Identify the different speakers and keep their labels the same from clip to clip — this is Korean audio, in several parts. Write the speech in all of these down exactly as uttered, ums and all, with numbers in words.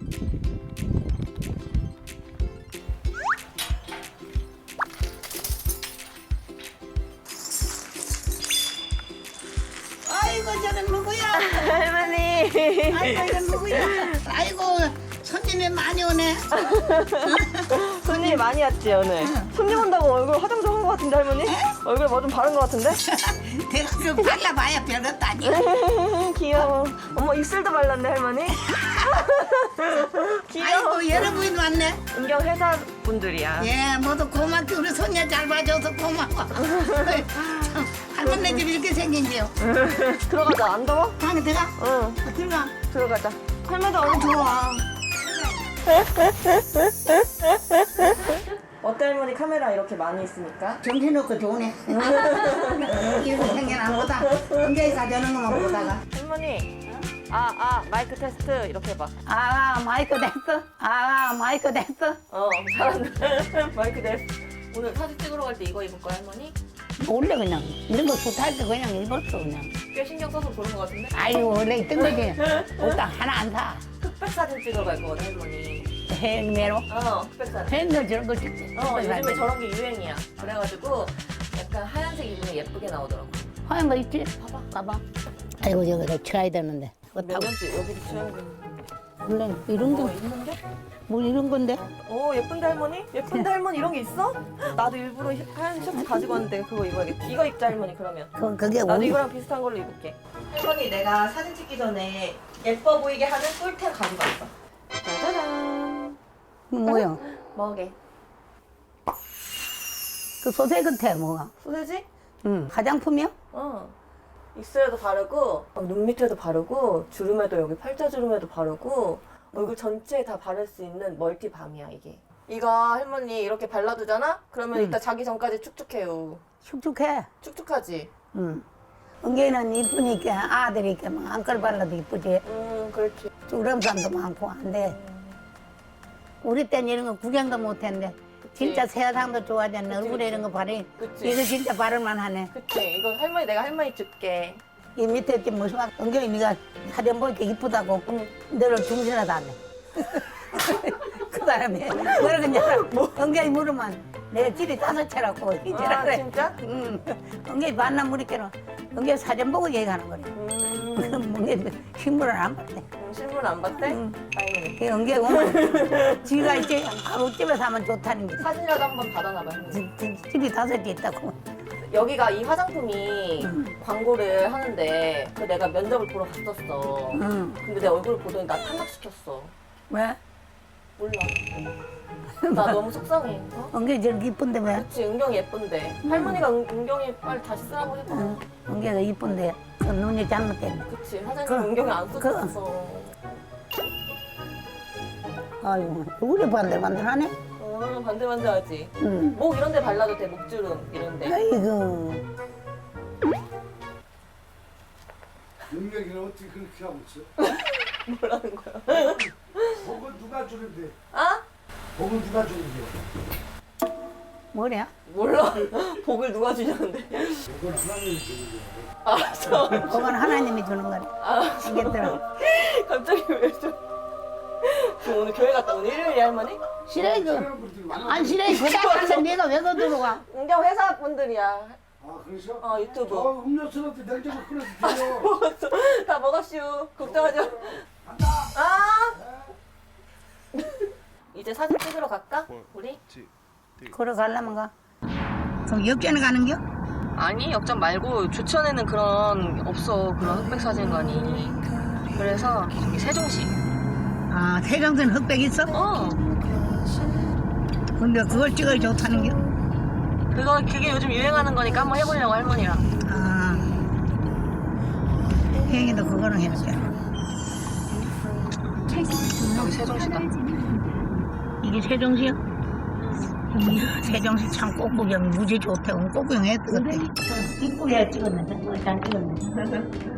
Speaker 1: 아이고 저건 누구야?
Speaker 2: 할머니.
Speaker 1: 아이고 이건 누구야? 아이고 손님이 많이 오네.
Speaker 2: 손님이 많이 왔지 오늘. 손님 온다고 얼굴 화장 좀 한 것 같은데 할머니? 얼굴 뭐 좀 바른 것 같은데?
Speaker 1: 내가 그 발라봐야 별것도 아니야.
Speaker 2: 귀여워. 어머 입술도 발랐네 할머니. 귀여워.
Speaker 1: 아이고 여러 분 왔네.
Speaker 2: 은경 회사 분들이야.
Speaker 1: 예 모두 고맙게 우리 손녀 잘 봐줘서 고마워. 참, 할머니 집 이렇게 생긴지요.
Speaker 2: 들어가자. 안 더워?
Speaker 1: 방에 들어가?
Speaker 2: 응.
Speaker 1: 어, 들어가.
Speaker 2: 들어가자. 할머니도 얼굴
Speaker 1: 좋아.
Speaker 2: 어때 할머니 카메라 이렇게 많이 있으니까?
Speaker 1: 정신없고 좋네. 이렇게 생긴 안 보다. 언제 가져오는 것만 보다가.
Speaker 2: 할머니. 아, 아, 마이크 테스트 이렇게 해봐.
Speaker 1: 아 마이크 됐어? 아 마이크 됐어?
Speaker 2: 어, 잘한다. 마이크 테스트. 오늘 사진 찍으러 갈 때 이거 입을 거야 할머니?
Speaker 1: 원래 그냥 이런 거 좋다할 때 그냥 입었어 그냥.
Speaker 2: 꽤 신경 써서 고른 것 같은데?
Speaker 1: 아이고 원래 있던 거지. 옷도 하나 안 사.
Speaker 2: 흑백 사진 찍으러 갈 거거든 할머니.
Speaker 1: 해외로?
Speaker 2: 어, 흑백 사진.
Speaker 1: 팬들 저런 거 찍지.
Speaker 2: 어, 요즘에 저런 게 유행이야. 그래가지고 약간 하얀색 입으면 예쁘게 나오더라고.
Speaker 1: 하얀 거 있지?
Speaker 2: 봐봐.
Speaker 1: 봐봐. 아이고 저거 내가 쳐야 되는데. 그거
Speaker 2: 몇
Speaker 1: 타고.
Speaker 2: 년째 여기도 취하는
Speaker 1: 원래 이런
Speaker 2: 거
Speaker 1: 거,
Speaker 2: 있는 게?
Speaker 1: 뭐 이런 건데?
Speaker 2: 어, 예쁜데 할머니? 예쁜데 할머니 이런 게 있어? 나도 일부러 하얀 셔츠 가지고 왔는데 그거 입어야겠다. 이거 입자 할머니 그러면.
Speaker 1: 그, 그게
Speaker 2: 나도
Speaker 1: 우리
Speaker 2: 이거랑 비슷한 걸로 입을게. 할머니 내가 사진 찍기 전에 예뻐 보이게 하는 꿀템 가지고 왔어. 짜자잔.
Speaker 1: 뭐야?
Speaker 2: 뭐게?
Speaker 1: 그 소세 같아 뭐가?
Speaker 2: 소세지?
Speaker 1: 응. 화장품이야?
Speaker 2: 어. 입술에도 바르고 어, 눈 밑에도 바르고 주름에도 여기 팔자주름에도 바르고 얼굴 전체에 다 바를 수 있는 멀티밤이야 이게. 이거 할머니 이렇게 발라두잖아? 그러면
Speaker 1: 음.
Speaker 2: 이따 자기 전까지 축축해요.
Speaker 1: 축축해.
Speaker 2: 축축하지?
Speaker 1: 응. 은경이는 이쁘니까 아들이 이렇게 막 안걸 발라도 이쁘지.
Speaker 2: 음 그렇지.
Speaker 1: 주름산도 많고 한데 우리 때는 이런 거 구경도 못했는데 진짜 세상도 좋아졌네. 얼굴에 이런 거 바르.
Speaker 2: 그치.
Speaker 1: 이거 진짜 바를만 하네.
Speaker 2: 그치. 이거 할머니 내가 할머니 줄게.
Speaker 1: 이 밑에 이렇게 무슨 막 은경이 네가 사진 보니까 이쁘다고
Speaker 2: 응.
Speaker 1: 너를 중신하다 하네. 그 사람이 뭐라 그러냐. 은경이 물으면 내가 길이 다섯 채라고 이제라
Speaker 2: 아
Speaker 1: 그래.
Speaker 2: 진짜?
Speaker 1: 응. 은경이 만남 물이께는 은경이 사진 보고 얘기하는 거래.
Speaker 2: 음,
Speaker 1: 은경이 신문을 안 봤대.
Speaker 2: 음 실물 안 봤대?
Speaker 1: 응.
Speaker 2: 다행이네.
Speaker 1: 그 은경이 오면 지가 이제 가옥집에서 하면 좋다는 게
Speaker 2: 사진이라도 한번 받아놔봐 할머니.
Speaker 1: 지- 지- 집이 다섯 개 있다고.
Speaker 2: 여기가 이 화장품이 광고를 하는데 그 내가 면접을 보러 갔었어.
Speaker 1: 응.
Speaker 2: 근데 내 얼굴을 보더니 나 탈락시켰어.
Speaker 1: 왜?
Speaker 2: 몰라. 나 너무 속상해. 어?
Speaker 1: 은경이 저렇게 이쁜데 왜?
Speaker 2: 그치 은경이 예쁜데. 할머니가 은, 은경이 빨리 다시 쓰라고 해봐.
Speaker 1: 응. 은경이가 이쁜데 그 눈이 잘못됐네.
Speaker 2: 그치 사장님
Speaker 1: 그-
Speaker 2: 은경이 안
Speaker 1: 그-
Speaker 2: 썼었어.
Speaker 1: 아이고 우리 반들반들하네.
Speaker 2: 어 반들반들하지.
Speaker 1: 응.
Speaker 2: 목 이런 데 발라도 돼. 목주름 이런 데.
Speaker 1: 아이고.
Speaker 3: 능력이는 어떻게 그렇게 하고 있어?
Speaker 2: 뭐라는 거야?
Speaker 3: 복은 누가 주는데?
Speaker 2: 아?
Speaker 3: 복은 누가 주는데?
Speaker 1: 뭐냐?
Speaker 2: 몰라. 복을 누가 주냐는데.
Speaker 3: 복은 하나님이 주는 거야.
Speaker 2: 알았어.
Speaker 1: 그건 하나님이 주는 거네.
Speaker 2: 알았어.
Speaker 1: 알겠더라.
Speaker 2: 갑자기 왜 좀. 지금 오늘 교회 갔다 오늘 일요일이 할머니?
Speaker 1: 싫어 이거.
Speaker 3: 사람 분들이 많아.
Speaker 1: 안 싫어 이거. 그다음에 내가 왜 거 들어가?
Speaker 2: 은경 회사 분들이야.
Speaker 3: 아 그러셔?
Speaker 2: 어 유튜브.
Speaker 3: 저 음료수한테 냉장고 끓여서 드려.
Speaker 2: 먹었어. 다 먹었슈. 걱정하지 마. 아. 이제 사진 찍으러 갈까? 우리?
Speaker 1: 걸어가려면 가. 그럼 역전에 가는겨?
Speaker 2: 아니 역전 말고 주천에는 그런 없어 그런 흑백 사진관이. 그래서 저기 세종시.
Speaker 1: 아 세종선 흑백 있어?
Speaker 2: 어.
Speaker 1: 근데 그걸 찍어야 좋다는겨?
Speaker 2: 그거 그게 요즘 유행하는 거니까 한번 해보려고 할머니랑.
Speaker 1: 아. 혜영이도 그거는 해볼게.
Speaker 2: 여기 세종시다.
Speaker 1: 이게 세종시야? 이야, 세종시 참 꽃구경 무지 좋대. 꽃구경 했던 것 같아. 이쁘게 찍었는데, 그걸 잘 찍었네.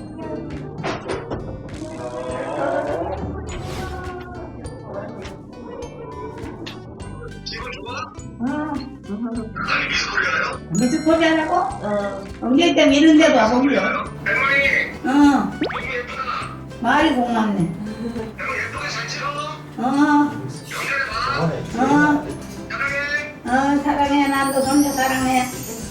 Speaker 1: 무슨 소리 하라고? 어. 엉덩이 때문에 이런 데도 와보면 돼. 어. 말이 고맙네.
Speaker 3: 예쁘게 잘 찍어.
Speaker 1: 어. 어. 어, 사랑해. 나도 손자 사랑해.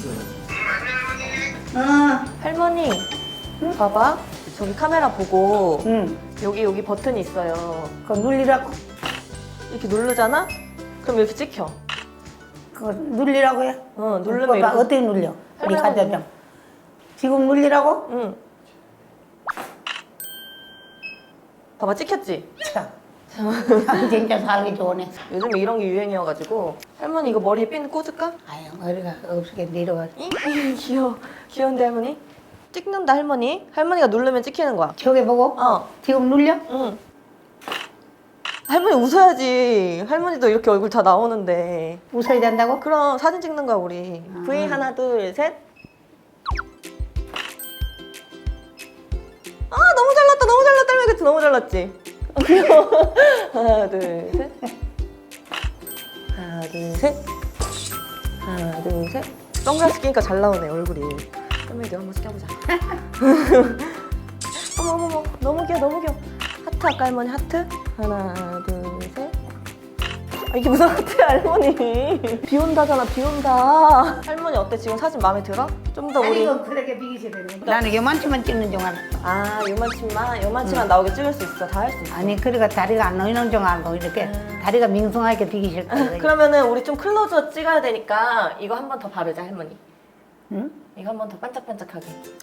Speaker 1: 어.
Speaker 2: 할머니, 봐봐. 저기 카메라 보고
Speaker 1: 응.
Speaker 2: 여기 여기 버튼이 있어요.
Speaker 1: 그거 눌리라고.
Speaker 2: 이렇게 누르잖아? 그럼 이렇게 찍혀.
Speaker 1: 그거 눌리라고요?
Speaker 2: 어, 누르면
Speaker 1: 봐봐,
Speaker 2: 이렇게.
Speaker 1: 어떻게 눌려? 우리
Speaker 2: 할머니가
Speaker 1: 가자 좀. 지금 눌리라고?
Speaker 2: 응. 봐봐, 찍혔지?
Speaker 1: 참. 참 진짜 살기 좋네.
Speaker 2: 요즘에 이런 게 유행이어가지고. 할머니 이거 머리에 핀 꽂을까?
Speaker 1: 아유, 머리가 없게 내려가.
Speaker 2: 잉? 귀여워. 귀여운데 할머니? 찍는다 할머니. 할머니가 누르면 찍히는 거야.
Speaker 1: 저기 보고?
Speaker 2: 어.
Speaker 1: 지금 눌려?
Speaker 2: 응. 할머니 웃어야지. 할머니도 이렇게 얼굴 다 나오는데.
Speaker 1: 웃어야 된다고?
Speaker 2: 그럼 사진 찍는 거야 우리.
Speaker 1: 아.
Speaker 2: V 하나 둘 셋. 아 너무 잘났다 너무 잘났다 할머니 너무 잘났지. 귀여워. 하나 둘 셋. 하나 둘 셋. 하나 둘 셋. 선글라스 끼니까 잘 나오네 얼굴이. 할머니도 한번 껴보자. 어머 어머 어머 너무 귀여워 너무 귀여워. 하트 할까 할머니 하트? 하나 둘 셋. 아, 이게 무슨 하트야 할머니. 비 온다잖아 비 온다. 할머니 어때 지금 사진 마음에 들어? 좀 더
Speaker 1: 아니,
Speaker 2: 우리
Speaker 1: 이거 그렇게 비기셔야 되는 거야. 나는 요만치만 찍는 줄 알아.
Speaker 2: 아 요만치만 요만치만 나오게 찍을 수 있어 다 할 수 있어.
Speaker 1: 아니, 그러니까 다리가 안 놓이는 줄 알고 이렇게
Speaker 2: 음.
Speaker 1: 다리가 밍숭하게 비기실 거야.
Speaker 2: 그러면은 우리 좀 클로즈업 찍어야 되니까 이거 한 번 더 바르자 할머니.
Speaker 1: 응?
Speaker 2: 이거 한 번 더 반짝반짝하게.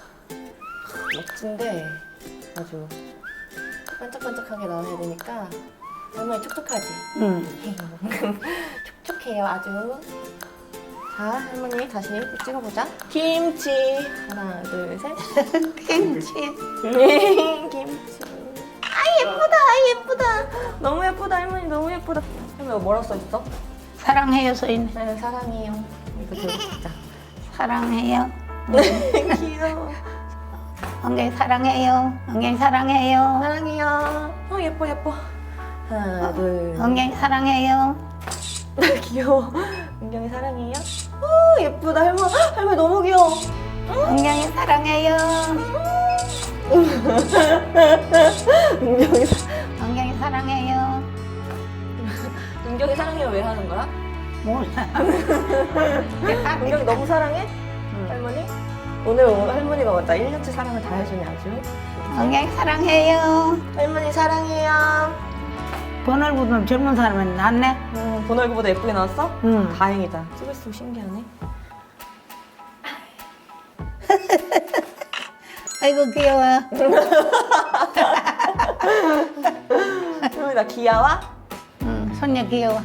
Speaker 2: 멋진데 아주 반짝반짝하게 나와야 되니까 할머니 촉촉하지?
Speaker 1: 응.
Speaker 2: 촉촉해요 아주. 자 할머니 다시 찍어보자. 김치 하나 둘 셋.
Speaker 1: 김치.
Speaker 2: 김치. 아 예쁘다 아 예쁘다 너무 예쁘다 할머니 너무 예쁘다. 할머니 뭐라고 써있어?
Speaker 1: 사랑해요, 소인.
Speaker 2: 네 사랑해요. 이거 들고 진짜.
Speaker 1: 사랑해요.
Speaker 2: 귀여워.
Speaker 1: 엉덩이 사랑해요. 엉덩이 사랑해요.
Speaker 2: 사랑해요. 어 예뻐 예뻐. 하나 둘.
Speaker 1: 엉덩이 사랑해요.
Speaker 2: 귀여워. 은경이 사랑해요. 오 예쁘다 할머니. 할머니 너무 귀여워.
Speaker 1: 엉덩이 사랑해요.
Speaker 2: 은경이 사-
Speaker 1: 엉덩이 사랑해요.
Speaker 2: 은경이 사랑해요 왜 하는 거야?
Speaker 1: 몰라.
Speaker 2: 은경이 너무 사랑해? 할머니? 오늘 할머니가 맞다 일 년치 사랑을 다 해주네 아주.
Speaker 1: 엉덩이 사랑해요.
Speaker 2: 할머니 사랑해요.
Speaker 1: 번얼구는 젊은 사람은 낫네.
Speaker 2: 음, 본 얼굴보다 예쁘게 나왔어?
Speaker 1: 응.
Speaker 2: 다행이다. 찍을수록 신기하네.
Speaker 1: 아이고 귀여워.
Speaker 2: 할머니 나 귀여워?
Speaker 1: 응, 손녀 귀여워.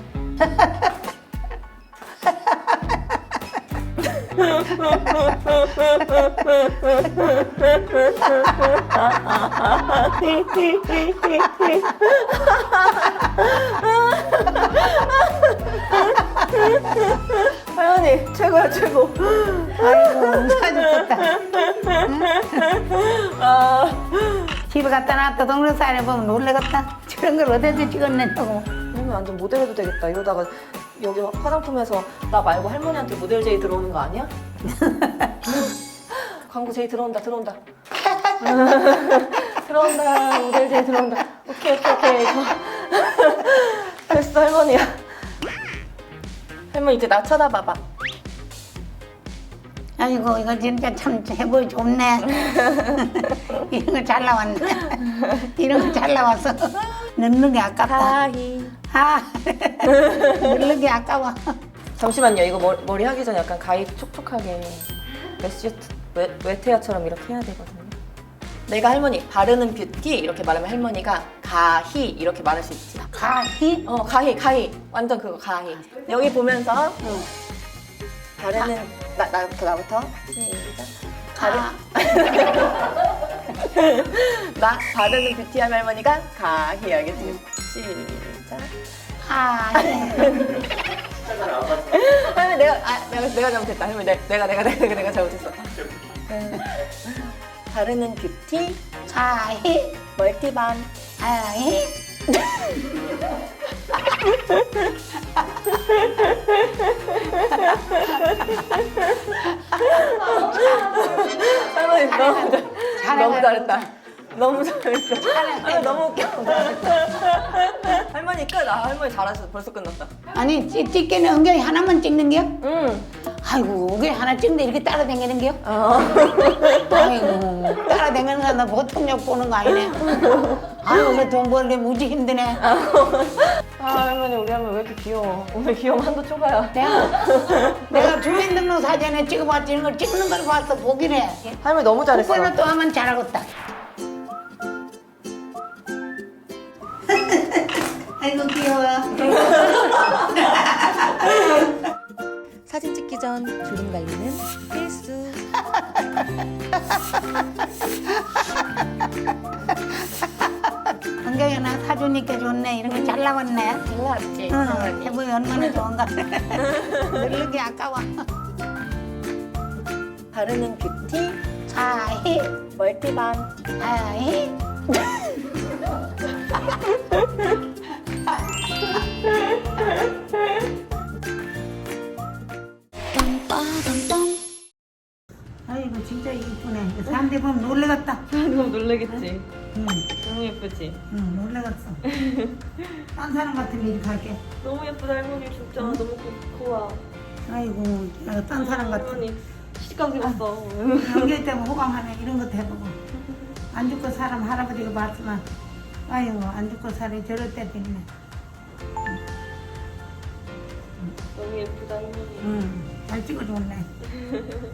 Speaker 2: 할머니 최고야 최고.
Speaker 1: 아이고 응사 죽겠다.
Speaker 2: 아,
Speaker 1: 집에 갖다 놨다 동영상에 보면 놀래겠다. 저런 걸 어디서 찍었냐고.
Speaker 2: 할머니 완전 모델 해도 되겠다. 이러다가 여기 화장품에서 나 말고 할머니한테 모델 제이 들어오는 거 아니야? 광고 제이 들어온다 들어온다. 들어온다 모델 제이 들어온다. 오케이 오케이 오케이. 저- 됐어 할머니야. 할머니 이제 나 쳐다봐봐.
Speaker 1: 아이고 이거 진짜 참 해보기 좋네. 이런 거 잘 나왔네. 이런 거 잘 나왔어. 넣는 게 아깝다.
Speaker 2: 하이.
Speaker 1: 아, 넣는 게 아까워.
Speaker 2: 잠시만요. 이거 머리, 머리 하기 전에 약간 가위 촉촉하게 메시트 웨, 웨트헤어처럼 이렇게 해야 되거든요. 내가 할머니 바르는 뷰티 이렇게 말하면 할머니가 가히 이렇게 말할 수 있지.
Speaker 1: 가히?
Speaker 2: 어 가히 가히 완전 그거 가히. 여기 보면서
Speaker 1: 응.
Speaker 2: 바르는 나 나부터 나부터 시작. 바르
Speaker 1: 가.
Speaker 2: 나 바르는 뷰티 하면 할머니가 가히 알겠지? 시작.
Speaker 1: 가히.
Speaker 2: 할머니 내가 아 내가 내가 잘못했다. 할머니 내, 내가 내가 내가 내가, 내가 잘못했어. 음. 바르는 뷰티
Speaker 1: 가히.
Speaker 2: 멀티밤.
Speaker 1: 가히.
Speaker 2: 할머니 너무 잘- 너무
Speaker 1: 잘해,
Speaker 2: 잘했다. 너무 잘했어. 할머니 너무 웃겨. 할머니 하니까 나 할머니 잘하셔서 벌써 끝났다.
Speaker 1: 아니 찍- 찍기는 은경이 하나만 찍는 게요?
Speaker 2: 응.
Speaker 1: 아이고 은경이 하나 찍는데 이렇게 따라다니는 게요?
Speaker 2: 어.
Speaker 1: 아이고 따라다니는 거나 보통력 보는 거 아니네. 아이고 그래 돈 벌기 무지 힘드네.
Speaker 2: 아 할머니 우리 할머니 왜 이렇게 귀여워. 오늘 귀여움 한도 초과야.
Speaker 1: 내가 내가 주민등록 사진에 찍어봤지 이런 걸 찍는 걸 봐서 보기네.
Speaker 2: 할머니 너무 잘했어.
Speaker 1: 그걸로 또 하면 잘하겠다. 아이고 귀여워.
Speaker 4: 사진 찍기 전 주름 관리는 필수.
Speaker 1: 은경이 나 사주니까 좋네. 이런 거 잘 나왔네. 잘 나왔지. 응. 해보이 얼마나 좋은가. 늙는 게 아까워.
Speaker 2: 바르는 뷰티
Speaker 1: 아이,
Speaker 2: 멀티밤.
Speaker 1: 아이. 아이고 진짜 이쁘네. 사람들이 보면 놀래겠다.
Speaker 2: 너무 놀라겠지.
Speaker 1: 응,
Speaker 2: 너무 예쁘지.
Speaker 1: 응, 놀래겠어. 딴 사람 같으면 이렇게 할게.
Speaker 2: 너무 예쁘다 할머니 진짜 너무 고, 고와.
Speaker 1: 아이고, 내가 딴 사람 같아.
Speaker 2: 할머니 시집가고 싶었어.
Speaker 1: 연기 때문에 호강하네. 이런 것도 해보고. 안 죽고 사람 할아버지가 봤지만, 아이고, 안 죽고 살이 저럴 때도 있네.
Speaker 2: 너무 예쁘다 할머니.
Speaker 1: 응, 잘 찍어줬네.